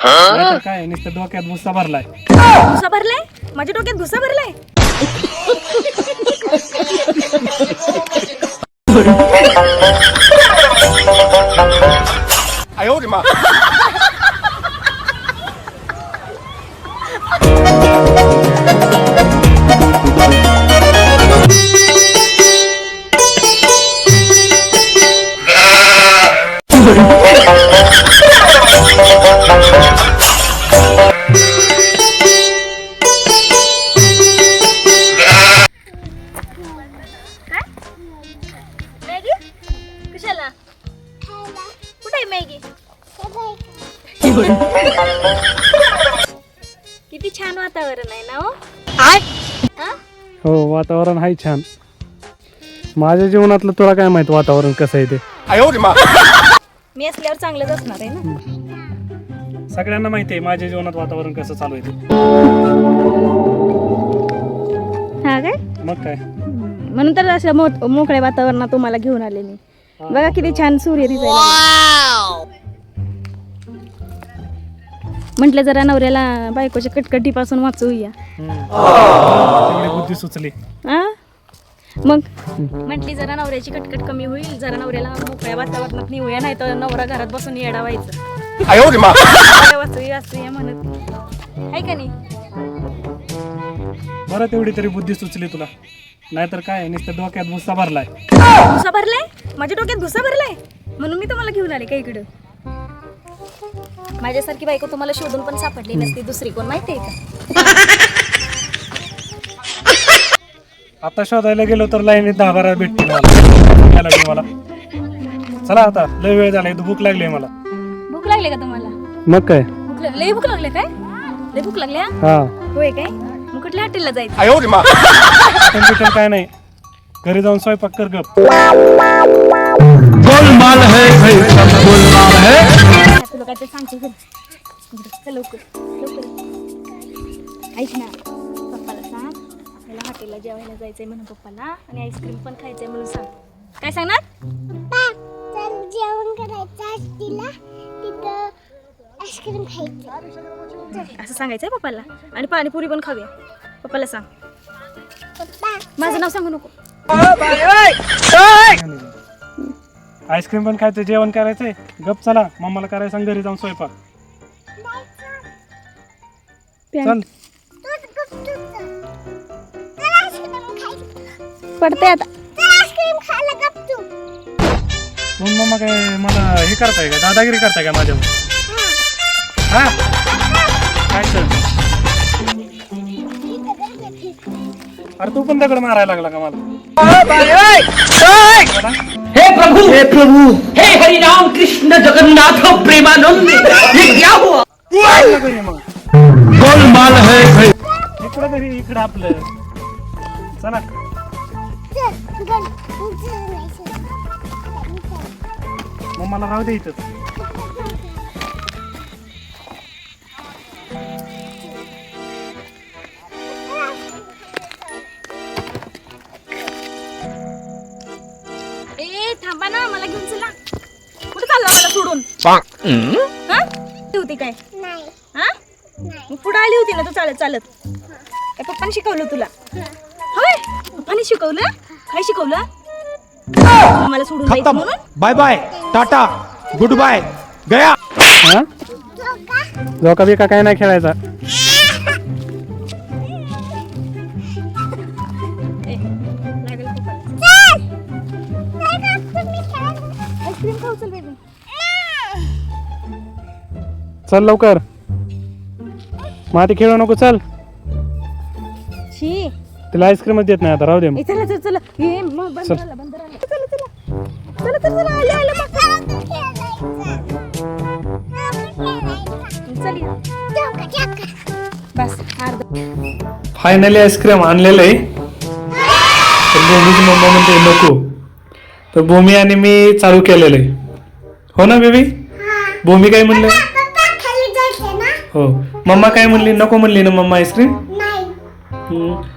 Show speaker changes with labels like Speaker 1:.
Speaker 1: नाहीतर काय नुसतं डोक्यात भुस्सा भरलाय.
Speaker 2: भुसा भरलाय? माझ्या डोक्यात भुसा भरलाय? मॅगी कशाला? कुठे आहे मॅगी? किती छान वातावरण आहे ना हो? हा?
Speaker 1: हो वातावरण आहे छान. माझ्या जीवनातलं तुला काय माहित वातावरण कसं आहे ते.
Speaker 2: मी असल्यावर चांगलंच असणार आहे ना.
Speaker 1: सगळ्यांना माहिती आहे माझ्या जीवनात वातावरण कसं चालू आहे ते.
Speaker 2: हा काय?
Speaker 1: मग काय
Speaker 2: म्हणून तर असं मोकळ्या वातावरणात तुम्हाला घेऊन आले मी. बघा किती छान सूर्य दिसायला. म्हटलं जरा नवऱ्याला बायकोच्या कटकटीपासून वाचवूया.
Speaker 1: तेवढी बुद्धी सुचली.
Speaker 2: हा मग म्हटली जरा नवऱ्याची कटकट कमी होईल, जरा नवऱ्याला मोकळ्या वातावरणात नेऊया, नाही तर नवरा घरात बसून येडा व्हायचं. वाचूया म्हणत आहे का नाही?
Speaker 1: बरं तेवढी तरी बुद्धी सुचली तुला. नाहीतर काय नुसतं डोक्यात भुस्सा भरलाय.
Speaker 2: भुसा भरलाय? माझ्या डोक्यात भुसा भरलाय म्हणून मी तुम्हाला घेऊन आले का इकडं. माझ्यासारखी बायको तुम्हाला शोधून पण सापडली नसती दुसरी कोण, माहिती आहे का?
Speaker 1: आता शोधायला गेलो तर लाईनीत 10-12 भेटतील मला. चला आता लय वेळ झाला, भूक लागली मला.
Speaker 2: भूक लागली का तुम्हाला?
Speaker 1: मग काय
Speaker 2: लय भूक लागले काय? लय भूक लागली?
Speaker 1: हा
Speaker 2: होय काय? मग कुठल्या हॉटेलला जायचं?
Speaker 1: कम्प्युटर काय नाही, घरी जाऊन स्वयंपाक कर गप.
Speaker 2: तुला काय ते सांगते लवकर लवकर. ऐक ना, पप्पाला सांग आपल्याला हॉटेलला जेवायला जायचंय म्हणून पप्पाला, आणि आईस्क्रीम पण खायचंय म्हणून सांग. काय सांगणार?
Speaker 3: जेवण करायचं तिला, तिथं आईस्क्रीम खायचं
Speaker 2: असं सांगायचंय पप्पाला. आणि पाणीपुरी पण खाऊया. पप्पाला सांग.
Speaker 3: पप्पा
Speaker 2: माझं नाव सांगू नको.
Speaker 1: आईस्क्रीम पण खायचं, जेवण करायचंय. गप चला, मम्माला करायला सांग घरी जाऊन स्वयंपाक. चल
Speaker 2: पडते आता.
Speaker 3: आईस्क्रीम खायला गप तू.
Speaker 1: मग मम्मा काय मला हे करताय का, दादागिरी करताय का माझ्यावर? हा काय तर. अरे तू पण दगड मारायला लागला का मला?
Speaker 4: हे प्रभु हे हरि राम कृष्ण जगन्नाथ प्रेमानंद, ये क्या हुआ?
Speaker 1: गोलमाल है इकडं घरी, इकडं आपलं. चला मग मला राहू दे इथं.
Speaker 2: ए थांबा ना, मला घेऊन चला. कुठे चालला मला सोडून? हा होती काय?
Speaker 3: नाही
Speaker 2: हा मग पुढे आली होती ना तू चालत चालत. काय पप्पाने शिकवलं तुला? होय पप्पाने शिकवलं? काय शिकवलं? मला सोडून जायचं म्हणून?
Speaker 5: Bye bye tata goodbye गया.
Speaker 1: हा जोका बिका काय नाही खेळायचा.
Speaker 2: ए, लागेल पप्पाला. आईस्क्रीम खाऊ चल बेबी.
Speaker 1: चल लवकर, माती खेळू नको. चल
Speaker 2: शी
Speaker 1: तिला आईस्क्रीमच देत नाही आता, राहू दे.
Speaker 2: ए चला चला चला. ए मग बंद झाला बंद झाला. चला चला चला चला चला. आले आले मग. चल या. बस अर्ध.
Speaker 1: फायनली आईस्क्रीम आणलेलं आहे. तर भूमीची मम्मा म्हणते नको, तर भूमी आणि मी चालू केलेलं आहे. हो ना बेबी? भूमी काय म्हणलं?
Speaker 3: पप्पा खाली जायचं ना?
Speaker 1: हो. मम्मा काय म्हणली? नको म्हणली ना मम्मा आईस्क्रीम?
Speaker 3: नाही.